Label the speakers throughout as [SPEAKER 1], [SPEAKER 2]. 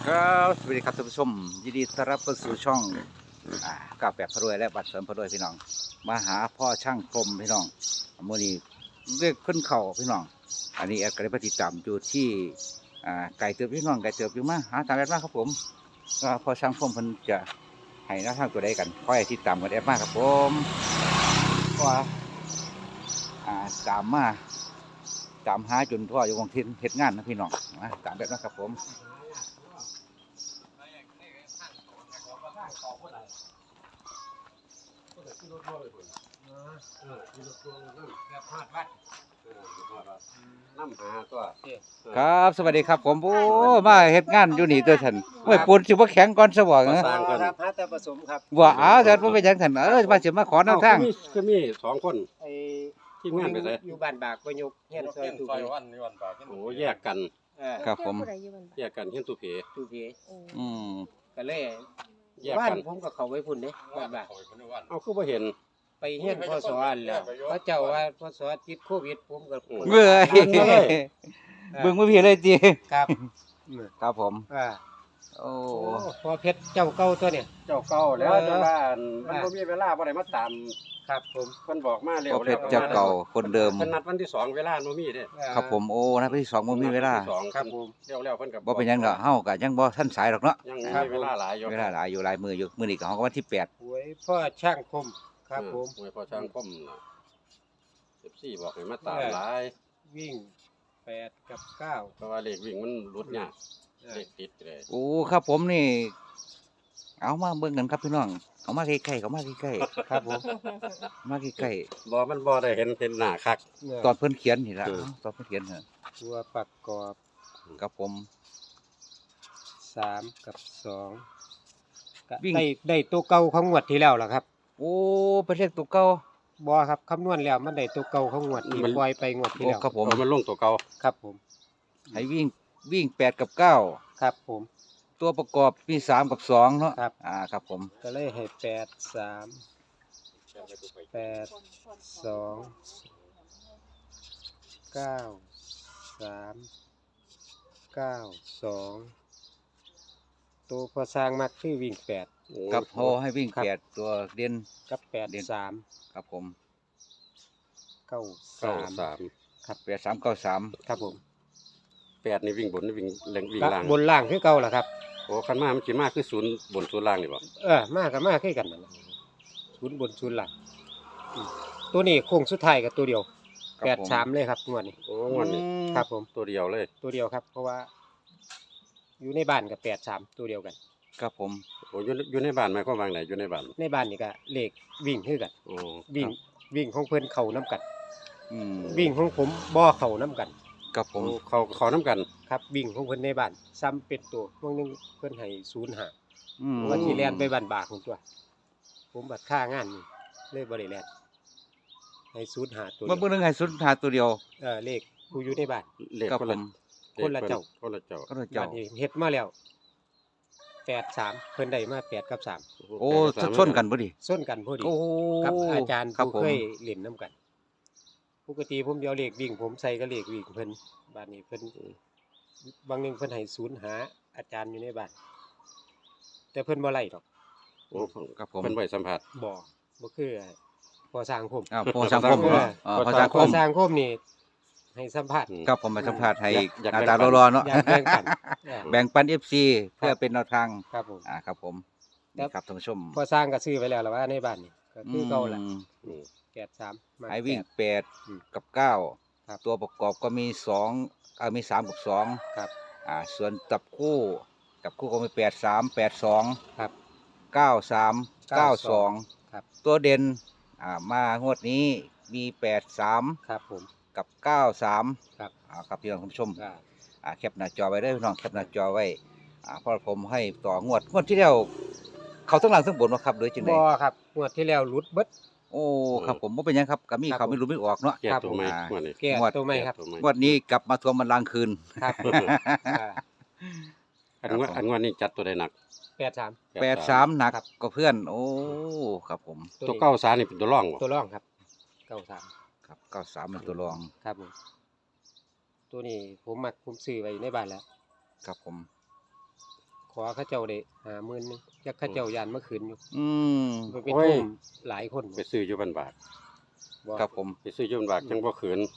[SPEAKER 1] ครับสวัสดีครับท่านผู้ชมยินดีต้อนรับเข้าสู่ช่องกาแฟพระรวยและบัตรเสริมพระรวยพี่น้องมาหาพ่อช่างพรมพี่น้องมื่อนี้เรียกขึ้นเข่าพี่น้องอันนี้แอดก็ได้ปฏิจำอยู่ที่ไก่เติบพี่น้องไก่เติบอยู่มาหาตามแอดมากครับผมก็พ่อช่างพรมเพิ่นจะให้หน้าทางตัวใดกันค่อยติดตามกันแอดมากครับผมก็ตามมาตามหาจนพ่ออยู่วงทินเฮ็ดงานนะพี่น้องตามแบบนั้นครับผม
[SPEAKER 2] น้ำหาตัว
[SPEAKER 1] ครับสวัสดีครับผมโอ้มาเฮ็ดงานอยู่นี่ตัวท่านโอ้ยปูนสิบ่แข็งก่อนซะบ่เหรอ
[SPEAKER 2] ครับหาแต่ผสมครับ
[SPEAKER 1] บ่เอาเถิดบ่เป็นหยังท่านมาสิมาขอแนวทาง
[SPEAKER 2] คือมีสองคน
[SPEAKER 3] ไอ้
[SPEAKER 2] ที่งานไปไส
[SPEAKER 3] อยู่บ้านบากประยุกต์เฮียนซอยตูเพ
[SPEAKER 2] โอ้แยกกัน
[SPEAKER 1] ครับผม
[SPEAKER 2] แยกกันเฮียนตุเพ
[SPEAKER 3] ตูเพ
[SPEAKER 1] อืม
[SPEAKER 3] ก็เลย
[SPEAKER 2] แยก
[SPEAKER 3] บ้าน
[SPEAKER 2] กัน
[SPEAKER 3] ผมก็เข้าไปพุ่นเด้บ้านบาก
[SPEAKER 2] เอาคือบ่เห็น
[SPEAKER 3] ไปเฮียนพศอันแล้วพระเจ้าว่าพศติดโควิดผมก็
[SPEAKER 1] เว้ยเบิ่งบ่พี่เลยติ
[SPEAKER 3] ครับ
[SPEAKER 1] ครับผม
[SPEAKER 3] อ่า
[SPEAKER 1] โอ้
[SPEAKER 3] พอเพชรเจ้าเก่าตัวเนี่ย
[SPEAKER 2] เจ้าเก่าแล้วแต่ว่ามันบ่มีเวลาบ่ได้มาตาม
[SPEAKER 3] ครับผม
[SPEAKER 2] เพิ่นบอกมาเร็ว
[SPEAKER 1] พ่อเพชรเจ้าเก่าคนเดิม
[SPEAKER 2] เพิ่นนัดวันที่2เวลาบ่มีเด้
[SPEAKER 1] ครับผมโอ้นะพี่สองบ่มีเวลา
[SPEAKER 2] ที่สอง
[SPEAKER 3] ครับผม
[SPEAKER 2] เร็วแล้วเพิ่นก็
[SPEAKER 1] บ่เป็นหยังดอกเฮาก็ยังบ่ทันสายดอกเนาะ
[SPEAKER 2] ยังมีเวลาหลายอยู่
[SPEAKER 1] เวลาหลายอยู่หลายมื้ออยู่มื้อนี้ก็เฮาก็วันที่8
[SPEAKER 3] หวยพ่อช่างคมครับผม
[SPEAKER 2] หวยพอช่างคมน่ะ14บอกให้มาตามหลาย
[SPEAKER 3] วิ่ง8กับ9
[SPEAKER 2] เพราะว่าเลขวิ่งมันหลุดยากเลขติดเลย
[SPEAKER 1] โอ้ครับผมนี่ เอามาเบิ่งกันครับพี่น้องเอามาใกล้ๆเขามาใกล้
[SPEAKER 3] ครับผม
[SPEAKER 1] ๆมาใกล้
[SPEAKER 2] บ่มันบ่ได้เห็นหน้าคัก
[SPEAKER 1] ๆตอนเพิ่นเขียนนี่ล่ะ
[SPEAKER 2] เออ
[SPEAKER 1] ตอนเพิ่นเขียนน่ะ
[SPEAKER 3] ตัวประกอบ
[SPEAKER 1] ครับผม
[SPEAKER 3] 3กับ2ก็
[SPEAKER 1] วิ่ง
[SPEAKER 3] ได้ตัวเก่าของงวดที่แล้วล่ะครับ
[SPEAKER 1] โอ้เป็นเลขตัวเก่า
[SPEAKER 3] บ่ครับคำนวณแล้วมันได้ตัวเก่าของงวดที่ปล่อยไปงวดที่
[SPEAKER 1] โอ้
[SPEAKER 3] แล้ว
[SPEAKER 1] ครับผม
[SPEAKER 2] มันลงตัวเก่า
[SPEAKER 3] ครับผม
[SPEAKER 1] ให้วิ่ง8กับ9
[SPEAKER 3] ครับผม
[SPEAKER 1] ตัวประกอบมี3กับ2เนาะ
[SPEAKER 3] ครับ
[SPEAKER 1] ครับผม
[SPEAKER 3] ก็เลยให้8 2 9 2ตัวพอสร้างมักคือวิ่ง8
[SPEAKER 1] กับโฮให้วิ่ง
[SPEAKER 3] ครับ
[SPEAKER 1] 8ตัวเด่น
[SPEAKER 3] กับ8 3
[SPEAKER 1] ครับผม
[SPEAKER 3] 9 3
[SPEAKER 2] 3
[SPEAKER 3] ครับ
[SPEAKER 1] 8 3 9 3
[SPEAKER 3] ครับผม
[SPEAKER 2] 8นี่วิ่งบนนี่วิ่งวิ่งล่าง
[SPEAKER 3] บนล่างคือเก่าล่ะครับ
[SPEAKER 2] โอ้คันมามันสิมาคือศูนย์บนศูนย์ล่างนี่บ่
[SPEAKER 3] มากับมาคือกันนั่นล่ะศูนย์บนศูนย์ล่างตัวนี้โค้งสุดท้ายกับตัวเดียว
[SPEAKER 1] ครับผม
[SPEAKER 3] 8 3เลยครับงวดนี้
[SPEAKER 2] โอ้งวดนี้
[SPEAKER 3] ครับผม
[SPEAKER 2] ตัวเดียวเลย
[SPEAKER 3] ตัวเดียวครับ เพราะว่า อยู่ในบ้านกับ8 3ตัวเดียวกัน
[SPEAKER 1] ครับผม
[SPEAKER 2] โอ้อยู่ในบ้านหมายความว่าไงอยู่ในบ้าน
[SPEAKER 3] ในบ้านนี่ก็เลขวิ่งคือกัน
[SPEAKER 2] โอ้
[SPEAKER 3] วิ่งของเพิ่นเข้าน้กัน
[SPEAKER 1] อืม
[SPEAKER 3] วิ่งของผมบ่เข้าน้กัน
[SPEAKER 1] ครับผม
[SPEAKER 2] เขาน้ำกัน
[SPEAKER 3] ครับ วิ่งของเพิ่นในบ้านซ้ำเป็นตัวบางนึงเพิ่นให้05
[SPEAKER 1] อืม
[SPEAKER 3] ว่าสิแล่นไปบ้านบากพุ่นตัว ผมบัดค่างานนี่เลยบ่ได้แล่นให้05ตัว
[SPEAKER 1] เมื่อ
[SPEAKER 3] เดี
[SPEAKER 1] เบิ่
[SPEAKER 3] ยว
[SPEAKER 1] งนึงให้สุดหาตัวเดียว
[SPEAKER 3] เลขผู้อยู่ในบ้าน
[SPEAKER 2] เลข
[SPEAKER 1] ครับ
[SPEAKER 2] คน
[SPEAKER 1] ผ
[SPEAKER 2] ละ
[SPEAKER 1] ม
[SPEAKER 3] คนละเจ้า
[SPEAKER 2] คนละเจ้า
[SPEAKER 1] ก็เจ้า
[SPEAKER 3] บ้านนี้เฮ็ดมาแล้ว8 3เพิ่นได้มา8กับ3
[SPEAKER 1] โอ้ชนกันบ่ดิ
[SPEAKER 3] ส้นกันพอดี
[SPEAKER 1] โอ้
[SPEAKER 3] กับอาจารย์
[SPEAKER 1] ครับ
[SPEAKER 3] ผู้
[SPEAKER 1] ผม
[SPEAKER 3] เคยเล่นน้ำกัน ปกติผมเดียวเลขวิ่งผมใส่ก็เลขวิ่งเพิ่นบ้านนี้เพิ่นบางหนึงเพิ่นให้ศูนย์หาอาจารย์อยู่ในบ้านแต่เพิ่นบ่ไล่ดอก
[SPEAKER 2] โอ้
[SPEAKER 1] ครับผม
[SPEAKER 2] เป็นไว้สัมผัส
[SPEAKER 3] บ่คือพอสร้างคม
[SPEAKER 1] พอสังคม
[SPEAKER 2] เออ
[SPEAKER 1] พอสัง
[SPEAKER 3] พ
[SPEAKER 1] ค
[SPEAKER 3] อ
[SPEAKER 1] ม
[SPEAKER 3] สร้างคมนี่ให้สัมภาษณ์
[SPEAKER 1] ครับผมมาสัมภาษณ์ให้
[SPEAKER 2] อยาก
[SPEAKER 1] หน้าตาร้อนๆเนาะ
[SPEAKER 3] อยากแบ่งปัน
[SPEAKER 1] แบ่งปัน FC เพื่อเป็นแนวทาง
[SPEAKER 3] ครับผม
[SPEAKER 1] ครับผม
[SPEAKER 3] ครับ
[SPEAKER 1] นี่ครับท่านผู้ชม
[SPEAKER 3] พอสร้างก็ซื้อไว้แล้วล่ะว่าในบ้านนี่ก็คือเก่าล่ะ
[SPEAKER 1] อืม
[SPEAKER 2] อืม
[SPEAKER 3] 83มา
[SPEAKER 1] ให้วิ่ง
[SPEAKER 3] แปด อืม
[SPEAKER 1] 8กับ
[SPEAKER 3] ครับ
[SPEAKER 1] 9ตัวประกอบก็มี2มี3กับ2
[SPEAKER 3] ครับ
[SPEAKER 1] ส่วนจับคู่ก็มี8 3 8 2
[SPEAKER 3] ครับ
[SPEAKER 1] 9 3 9 2
[SPEAKER 3] ครับ
[SPEAKER 1] ตัวเด่นมางวดนี้มี8 3
[SPEAKER 3] ครับผม
[SPEAKER 1] กับ9 3
[SPEAKER 3] ครับ
[SPEAKER 1] ครับพี่น้องคุณผู้ชม
[SPEAKER 3] อ่า
[SPEAKER 1] แคปหน้าจอไว้ได้อพี่น้องแคปหน้าจอไว้เพราะผมให้ต่องวดที่แล้วเขาทั้งหลังทั้งบนมาครับโดยจังได
[SPEAKER 3] บ่ครับงวดที่แล้วหลุดเบิด
[SPEAKER 1] โอ้ครับผมบ่เป็นหยังครับก็มี
[SPEAKER 3] ครับ
[SPEAKER 1] เขาไม่รู้ไม่ออกเนาะ
[SPEAKER 2] แก้
[SPEAKER 3] ครับ
[SPEAKER 2] ตัวใหม่
[SPEAKER 1] อ่า
[SPEAKER 2] งวดนี้
[SPEAKER 3] แก้
[SPEAKER 1] งวด
[SPEAKER 3] ตัวใหม่ครับ
[SPEAKER 2] แก้ตัวใหม่
[SPEAKER 1] งวดนี้กลับมาทวงบัลลังก์คืน
[SPEAKER 3] ครับอ่า
[SPEAKER 2] อันงวดนี้จัดตัวใดหนัก
[SPEAKER 3] 83
[SPEAKER 1] 83หนัก
[SPEAKER 3] ครับ
[SPEAKER 1] ก็เพื่อน โอ้ครับผม
[SPEAKER 2] ตัวเก้าสานี่เป็นตัวร่องบ่
[SPEAKER 3] ตัวร่องครับ93
[SPEAKER 1] ครับ93เป็นตัวรอง
[SPEAKER 3] ครับผมตัวนี้ผมซื้อไว้ในบ้านแล้ว
[SPEAKER 1] ครับผม
[SPEAKER 3] อเขาเจ้าได้50,000นึงจักเขาเจ้ายานเมื่อคืนอยู่
[SPEAKER 1] อืม
[SPEAKER 3] มันเป็นทุ่มหลายคน
[SPEAKER 2] ไปซื้ออยู่บ้านบาท
[SPEAKER 3] บ่
[SPEAKER 1] ครับผม
[SPEAKER 2] ไปซื้ออยู่บ้านบาทจังบ่ขืน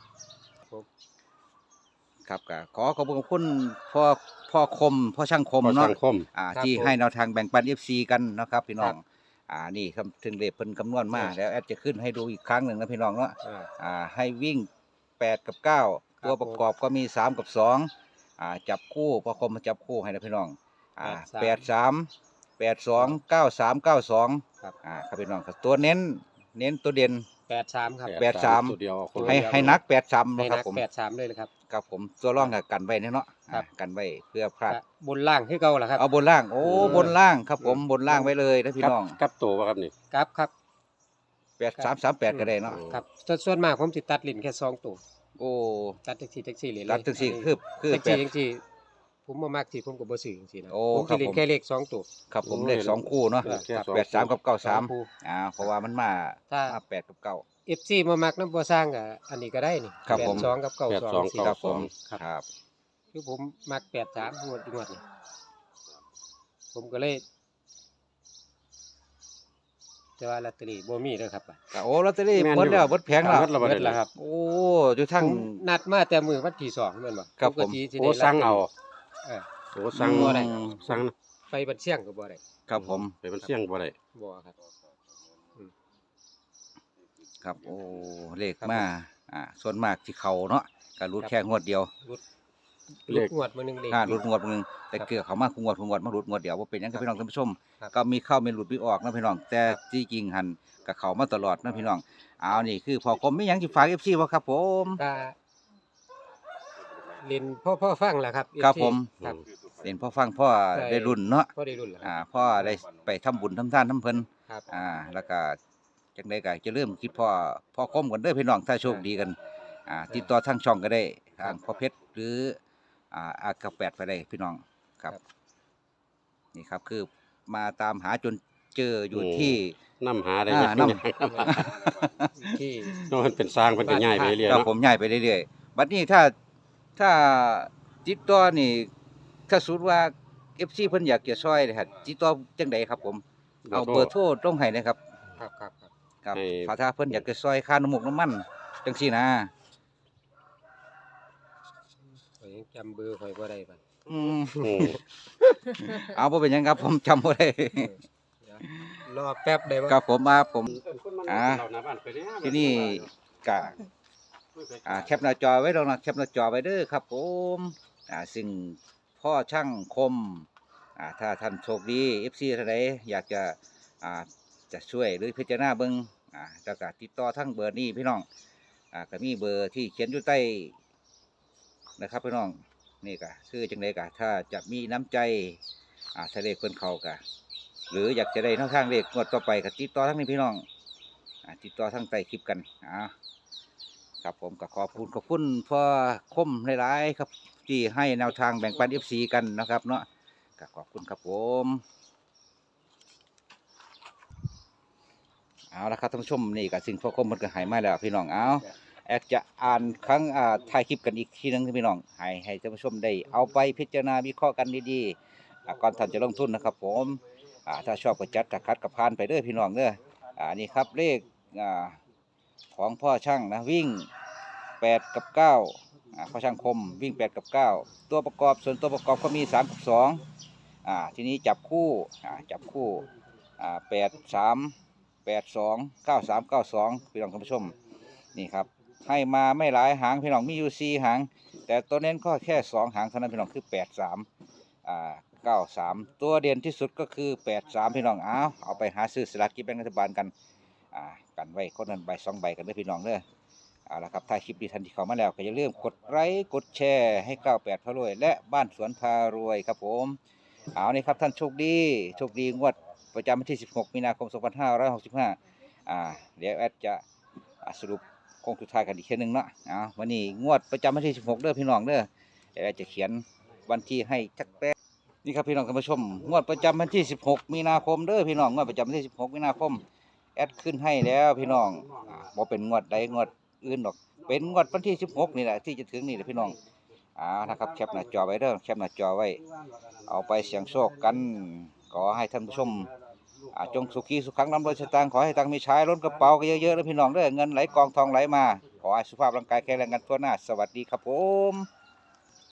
[SPEAKER 1] ครับก็ขอบคุณพ่อคมพ่อช่างคม
[SPEAKER 2] พอ
[SPEAKER 1] เนาะ
[SPEAKER 2] สังคม
[SPEAKER 1] ที่ให้แนวทางแบ่งปัน FC กันนะครับพี่น้องนี่ครับถึงเลขเพิ่นคำนวณมาแล้วแอดจะขึ้นให้ดูอีกครั้งหนึ่งนะพี่น้องเนาะ ให้วิ่ง8กับ9ตัวประกอบก็มี3กับ2จับคู่พ่อคมมาจับคู่ให้นะพี่น้อง83 82 93 92ครับพี่น้องครับตัวเน้นตัวเด่น
[SPEAKER 3] 83ครับ
[SPEAKER 1] 83
[SPEAKER 2] ตัวเดียวเอาคน
[SPEAKER 3] ตัว
[SPEAKER 2] ละ
[SPEAKER 3] เดียว
[SPEAKER 1] ให้นัก83
[SPEAKER 3] ให้
[SPEAKER 1] นะครั
[SPEAKER 3] นั
[SPEAKER 1] บ
[SPEAKER 3] ก
[SPEAKER 1] ผม
[SPEAKER 3] 83เลยนะครับ
[SPEAKER 1] ครับผมตัวร่องกับกันไว้เนี่ยเนาะ
[SPEAKER 3] ครับ
[SPEAKER 1] กันไว้เพื่อพลาด
[SPEAKER 3] ก็บนล่างคือเก่าล่ะครับ
[SPEAKER 1] เอาบนล่างโอ้บนล่างครับผมบนล่างไว้เลยนะพี่
[SPEAKER 2] กับ
[SPEAKER 1] น้อง
[SPEAKER 2] กับตัวบ่ครับนี่
[SPEAKER 3] ครับ
[SPEAKER 1] 8338ก็ได้เนาะ
[SPEAKER 3] ครับส่วนมากผมสิตัดลิ้นแค่2ตัว
[SPEAKER 1] โอ้
[SPEAKER 3] ตัดจังซี่เลย
[SPEAKER 1] รัดตึกสี่คือ
[SPEAKER 3] จัง
[SPEAKER 1] แปด
[SPEAKER 3] ซี่ผมบ่มักสิผมก็บ่ซื้อจังซี่นะ
[SPEAKER 1] โอ้
[SPEAKER 3] ผม
[SPEAKER 1] ครั
[SPEAKER 3] สิ
[SPEAKER 1] บ
[SPEAKER 3] เล่น
[SPEAKER 1] ผม
[SPEAKER 3] แค่เลข2ตัว
[SPEAKER 1] ครับผมเลข2คู่เนาะ
[SPEAKER 2] แค่สอง
[SPEAKER 1] 83กับ
[SPEAKER 3] คู่
[SPEAKER 1] 93เพราะว่ามันมา
[SPEAKER 3] ถ้า
[SPEAKER 1] 8กับ9
[SPEAKER 3] FC บ่มักนำบ่สร้างก็อันนี้ก็ได้นี่
[SPEAKER 1] ครับผม
[SPEAKER 3] 82กับ92สิ
[SPEAKER 1] ครับผม
[SPEAKER 3] ครับ
[SPEAKER 1] ครับ
[SPEAKER 3] คือผมมัก83งวดนี่ผมก็เลยแต่ว่าลอตเตอรี่บ่มีเด้อครับ
[SPEAKER 1] โอ้ลอตเตอรี่หมดแล้วหมดแผงแล้ว
[SPEAKER 2] หมดแล้วบ่
[SPEAKER 3] เบิ
[SPEAKER 2] ได้
[SPEAKER 3] ดแล้วครับ
[SPEAKER 1] โอ้อยู่ทั้ง
[SPEAKER 3] ผมนัดมาแต่มื้อวันที่2แม่นบ่
[SPEAKER 1] ครับผม
[SPEAKER 3] ปกติสิ
[SPEAKER 2] โอ้
[SPEAKER 3] ได้
[SPEAKER 2] สั่งเอา
[SPEAKER 3] เออ
[SPEAKER 2] โอ้สั่ง
[SPEAKER 3] บ่ได้
[SPEAKER 2] สั่ง
[SPEAKER 3] ไปบันเชียงก็บ่ได้
[SPEAKER 1] ครับผม
[SPEAKER 2] ไปมันเสี่ยงบ่ได้
[SPEAKER 3] บ่ครับ
[SPEAKER 1] ครับโอ้เลขมาส่วนมากที่เขาเนาะก็รุดแค่งวดเดียว
[SPEAKER 3] ลูกงวดมื้อนึงเด็ก
[SPEAKER 1] รุดงวดนึงแต่เกือเขามาคุงวดมารุดงวดเดียวว่าเป็นหยังกับพี่น้องท่านผู้ชม
[SPEAKER 3] ครับ
[SPEAKER 1] ก็มีเข้ามีหลุดมีออกนะพี่น้อง แต่ที่จริงหันกับเขามาตลอดนะพี่น้องเอานี่คือพอคมไม่ยังจะฝาก FC บ่ครับผม
[SPEAKER 3] ก็เล่นพ่อฟังล่ะครับ
[SPEAKER 1] ครับ
[SPEAKER 3] FC
[SPEAKER 1] ผม
[SPEAKER 3] ครับ
[SPEAKER 1] เห็นพ่อฟังพ่อได้รุ่นเนาะ
[SPEAKER 3] พ่อได้รุ่นล่ะครับ
[SPEAKER 1] พ่อได้ไปทำบุญทำทานทำเพิ่น
[SPEAKER 3] ครับ
[SPEAKER 1] แล้วก็จังไดก็จะเริ่มคิดพ่อคมกันเด้อพี่น้องถ้าโชคดีกันติดต่อทางช่องก็ได้ทางพ่อเพชรหรืออากาแปดไปได้พี่น้องครับ นี่ครับคือมาตามหาจนเจออยู่ที่
[SPEAKER 2] นำหาได้
[SPEAKER 1] อ่า
[SPEAKER 2] ยัง
[SPEAKER 1] น
[SPEAKER 3] ที่
[SPEAKER 2] เนาะมันเป็นสร้างเพิ่นก็ย้ายไปเรื่อย
[SPEAKER 1] ครับ
[SPEAKER 2] เนาะ
[SPEAKER 1] ผมย้ายไปเรื่อยๆบัดนี้ถ้าติดต่อนี่ถ้าสมมุติว่า FC เพิ่นอยากจะช่วยนะครับติดต่อจังไดครับผมเอาเบอร์โทรตรงให้นะครับ
[SPEAKER 3] ครับ
[SPEAKER 1] ครับถ้าเพิ่นอยากจะช่วยค่าน้ำมูกน้ำมันจังซี่นะ
[SPEAKER 3] ข่อยยังจำเบอร์ข่อยบ่ได้บัด
[SPEAKER 1] อืม
[SPEAKER 2] อืม
[SPEAKER 1] เอาบ่เป็นหยังครับผมจำบ่ได้
[SPEAKER 3] เดี๋ยวรอแป๊บได้บ่
[SPEAKER 1] ครับผมมาผม ที่นี่ก็แคปหน้าจอไว้ลงนะแคปหน้าจอไว้เด้อครับผมซึ่งพ่อช่างคมถ้าท่านโชคดี FC ท่านใดอยากจะช่วยหรือพิจารณาเบิ่งแล้วก็ติดต่อทั้งเบอร์นี้พี่น้องก็มีเบอร์ที่เขียนอยู่ใต้นะครับพี่น้องนี่ก็คือจังไดก็ถ้าจะมีน้ำใจถ้าเลขเพิ่นเข้าก็หรืออยากจะได้แนวทางเลขงวดต่อไปก็ติดต่อทั้งนี้พี่น้องติดต่อทั้งใต้คลิปกันครับผมก็ขอบคุณพ่อคมหลายๆครับที่ให้แนวทางแบ่งปัน FC กันนะครับเนาะก็ขอบคุณครับผมเอาละครับท่านผู้ชมนี่ก็สิ่งพ่อคมมันก็หายมาแล้วพี่น้องเอาแอดจะอ่านครั้งถ่ายคลิปกันอีกทีนึงพี่น้องให้ท่านผู้ชมได้เอาไปพิจารณาวิเคราะห์กันดีๆก่อนท่านจะลงทุนนะครับผมถ้าชอบก็จัดถ้าคัดก็ผ่านไปเด้อพี่น้องเด้อนี่ครับเลขของพ่อช่างนะวิ่ง8กับ9พ่อช่างคมวิ่ง8กับ9ตัวประกอบส่วนตัวประกอบก็มี3กับ2ทีนี้จับคู่83829392พี่น้องท่านผู้ชมนี่ครับให้มาไม่หลายหางพี่น้องมีอยู่4หางแต่ตัวเน้นก็แค่2หางเท่านั้นพี่น้องคือ9393ตัวเด่นที่สุดก็คือ83พี่น้องเอาไปหาซื้อสลากกินแบ่งรัฐบาลกันกันไว้คนนั้นใบ2ใบกันเด้อพี่น้องเด้อเอาละครับถ้าคลิปดีทันที่เข้ามาแล้วก็อย่าลืมกดไลค์กดแชร์ให้98พารวยและบ้านสวนพารวยครับผมเอานี่ครับท่านโชคดีงวดประจำวันที่16มีนาคม2565เดี๋ยวแอดจะสรุปโค้งสุดท้ายกันอีกเช่นนึงเนาะวันนี้งวดประจำวันที่16เด้อพี่น้องเด้อเดี๋ยวแอดจะเขียนวันที่ให้จักแป๊ะนี่ครับพี่น้องท่านผู้ชมงวดประจำวันที่16มีนาคมเด้อพี่น้องงวดประจำวันที่16มีนาคมแอดขึ้นให้แล้วพี่น้องบ่เป็นงวดใดงวดอื่นหรอกเป็นงวดวันที่16นี่แหละที่จะถึงนี่แหละพี่น้องนะครับแคปหน้าจอไว้เด้อแคปหน้าจอไว้เอาไปเสี่ยงโชคกันขอให้ท่านผู้ชมจงสุขีสุขขังร่ำรวยสตางค์ขอให้ตังค์มีใช้ล้นกระเป๋ากันเยอะๆนะพี่น้องเด้อเงินไหลกองทองไหลมาขอให้สุขภาพร่างกายแข็งแรงกันทั่วหน้าสวัสดีครับผม